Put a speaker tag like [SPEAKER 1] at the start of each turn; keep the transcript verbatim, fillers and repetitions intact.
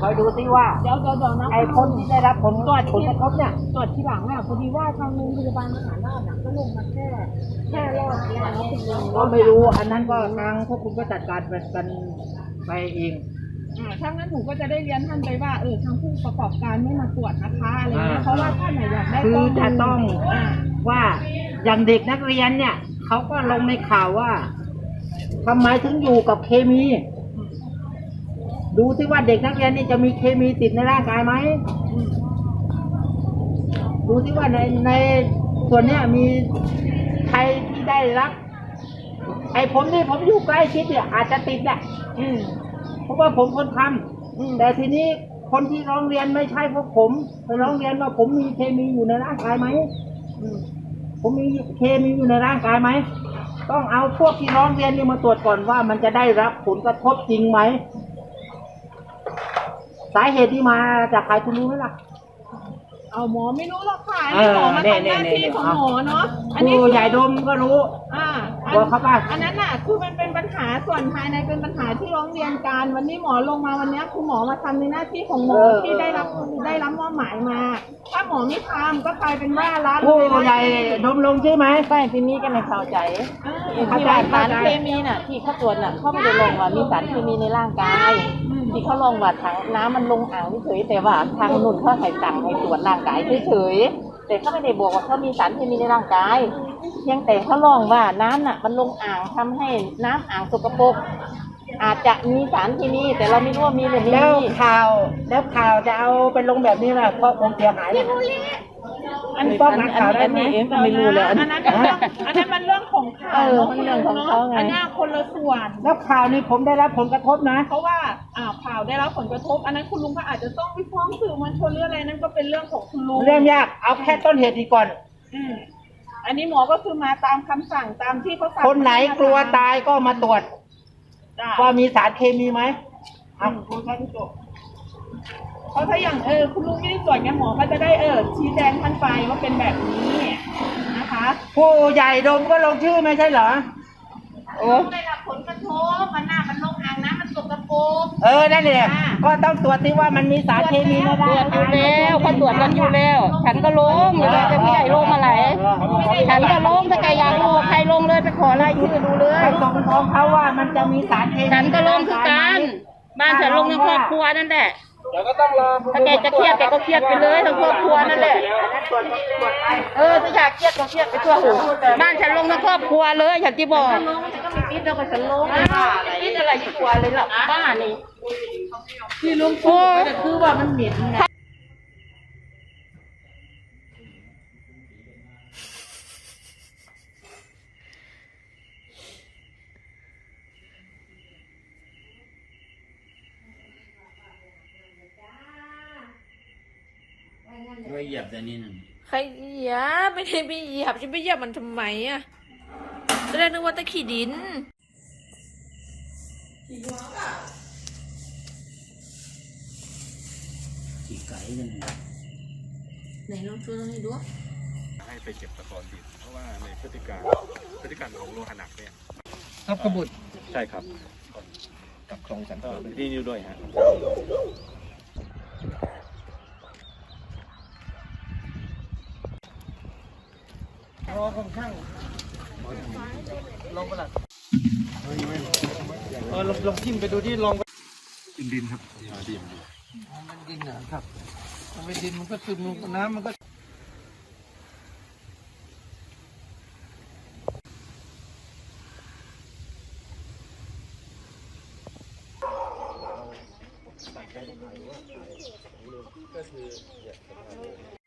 [SPEAKER 1] อยดูซิว่า
[SPEAKER 2] เดี๋ยวเดี๋ยวเดี๋ยวนะ
[SPEAKER 1] ไอ้คนที่ได้รับผล
[SPEAKER 2] ตรวจ
[SPEAKER 1] ผลกระทบเนี่ย
[SPEAKER 2] ตรวจทีหลังอ่ะพอดีว่าทางโรงพยาบาลมหาราชอ่ะก็ลงมาแค่แค่รอบนี้แล้วคุณลุง
[SPEAKER 1] ก็ไม่รู้อันนั้นก็ทางพวกคุณก็จัดการกันไปเอง
[SPEAKER 2] อ่าถ้างั้นหนูก็จะได้เรียนท่านไปว่าเออทางผู้ประกอบการไม่มาตรวจนะคะอะไรเงี้ยเพราะว่าท่านไหนอยากได้
[SPEAKER 1] คือจะต้องว่าอย่างเด็กนักเรียนเนี่ยเขาก็ลงในข่าวว่าทำไมถึงอยู่กับเคมีดูซิว่าเด็กนักเรียนนี่จะมีเคมีติดในร่างกายไหมดูซิว่าในในส่วนเนี้ยมีใครที่ได้รับไอ้ผมนี่ผมอยู่ใกล้ชิดเนี่ยอาจจะติดแหละเพราะว่าผมคนทำแต่ทีนี้คนที่ร้องเรียนไม่ใช่พวกผมไปร้องเรียนว่าผมมีเคมีอยู่ในร่างกายไหมผมมีเคมีอยู่ในร่างกายไหมต้องเอาพวกที่ร้องเรียนนี่มาตรวจก่อนว่ามันจะได้รับผลกระทบจริงไหมสาเหตุที่มาจากใครคุณรู้ไหมล่ะ
[SPEAKER 2] เอาหมอไม่รู้หรอกค่ะอันนี้หมอมาทำหน้าที่ของหมอเนาะ
[SPEAKER 1] อันนี้ใหญ่ดมก็รู้
[SPEAKER 2] อ่า
[SPEAKER 1] บอกเขาไป
[SPEAKER 2] อันนั้นน่ะคือมันเป็นปัญหาส่วนภายในเป็นปัญหาที่ร้องเรียนกันวันนี้หมอลงมาวันนี้คือหมอมาทำในหน้าที่ของหมอที่ได้รับได้รับมอบหมายมาถ้าหมอไม่ทำก็กลายเป็นว่าร้าน
[SPEAKER 1] ผู้ใหญ่ดมลงใช่ไหม
[SPEAKER 3] ไม่พี่มีก็ไม่เข้าใจที่ว่าสารเคมีน่ะที่เขาตรวจน่ะเขาไม่ได้ลงว่ามีสารเคมีในร่างกายที่เขาลงว่าถังน้ำมันลงอ่างเฉยแต่ว่าทางนุ่นเขาให้สั่งให้ตรวจร่างกายเฉยแต่เขาไม่ได้บอกว่าเขามีสารเคมีในร่างกายเพียงแต่เขาลองว่าน้ำน่ะมันลงอ่างทำให้น้ำอ่างสกปรกอาจจะมีสารเคมีแต่เราไม่รู้ว่ามีหรือไม่
[SPEAKER 1] แล้วข่าวแล้วข่าวจะเอาเป็นลงแบบนี้แหละเพราะผมเสียหาย
[SPEAKER 2] อันนี้
[SPEAKER 1] ป้องกันข่าวได้ไหม
[SPEAKER 3] เองก็ไม่รู้เลย
[SPEAKER 2] อันนั้นเรื่องอันนั้นมันเรื่องของข่าว
[SPEAKER 3] มันเรื่องของเขาไง
[SPEAKER 2] อันนี้คนละส่วน
[SPEAKER 1] แล้วข่าวนี้ผมได้รับผลกระทบนะ
[SPEAKER 2] เพราะว่าอ่าข่าวได้รับผลกระทบอันนั้นคุณลุงก็อาจจะต้องไปฟ้องสื่อมวลชนหรืออะไรนั่นก็เป็นเรื่องของคุณลุง
[SPEAKER 1] เรื่องยากเอาแค่ต้นเหตุดีก่อน
[SPEAKER 2] อืมอันนี้หมอก็คือมาตามคำสั่งตามที่เขาสั่ง
[SPEAKER 1] คนไหนกลัวตายก็มาตรวจว่ามีสารเคมีไหมเอาคุณแค่ที่จบ
[SPEAKER 2] เพราะถ้าอย่างเออคุณลุงไม่ได้ตรวจเนี่ยหมอก็จะได้เออชี้แจงท่านไปว่าเป็นแบบนี้นะคะ
[SPEAKER 1] ผู้ใหญ่ดมก็ลงชื่อไม่ใช่เหรอ
[SPEAKER 2] โอ้ได้รับผลกระทบมันหน้ามันลงอ่างน้ำมันสกปรก
[SPEAKER 1] เออนั่นแหละก็ต้องตรวจที่ว่ามันมีสารเคมีในร่าง
[SPEAKER 3] กายอยู่แล้วเขาตรวจกันอยู่แล้วฉันก็ลงอยู่เลยจะพี่ใหญ่ลงมาไหนฉันก็ลงถ้าแกอยากลงใครลงเลยไปขอรายชื่อดูเลย
[SPEAKER 1] ไปส่งของเขาว่ามันจะมีสารเคมี
[SPEAKER 3] ฉันก็ลงคือกันบ้านฉันลงในครอบครัวนั่นแหละ
[SPEAKER 1] เดี๋ยวก็ต้องรอ
[SPEAKER 3] ถ้าแกจะเครียดแกก็เครียดไปเลยทั้งครอบครัวนั่นแหละเออถ้าอยากเครียดก็เครียดไปทั่วหูบ้านฉันลงทั้งครอบครัวเลยฉันที่บอก
[SPEAKER 2] ลงฉันก็มีปิดแล้วก็ฉันลง
[SPEAKER 3] ปิดอะไรที่ครัวเลยหรอบ้านนี่
[SPEAKER 2] ที่ลุงพูดก็คือว่ามันเหม็นไง
[SPEAKER 4] ไม่เหยียบแต่นี่นั่น
[SPEAKER 5] ใครเหยียบไม่ได้ไปเหยียบจะไปเหยียบมันทำไมอ่ะตอนแรกนึกว่าตะขี้ดิน
[SPEAKER 4] ขี่ไก่กัน
[SPEAKER 5] ไหนลองช่วยให้ดู
[SPEAKER 6] ให้ไปเก็บตะกอนดินเพราะว่าในพฤติการพฤติกรรมของโลหะหนักเนี่ย
[SPEAKER 1] ทับกระบุด
[SPEAKER 6] ใช่ครับ
[SPEAKER 1] กับคลองสันติ
[SPEAKER 6] ที่นิ้วด้วยฮะ
[SPEAKER 1] รอค่อนข้างลองไปละเออลองลองทิ่มไปดูที่ลอง
[SPEAKER 6] ดินดินครับดิน
[SPEAKER 1] มันดินนะครับมันเป็นดินมันก็ซึมน้ำมันก็ก็คือ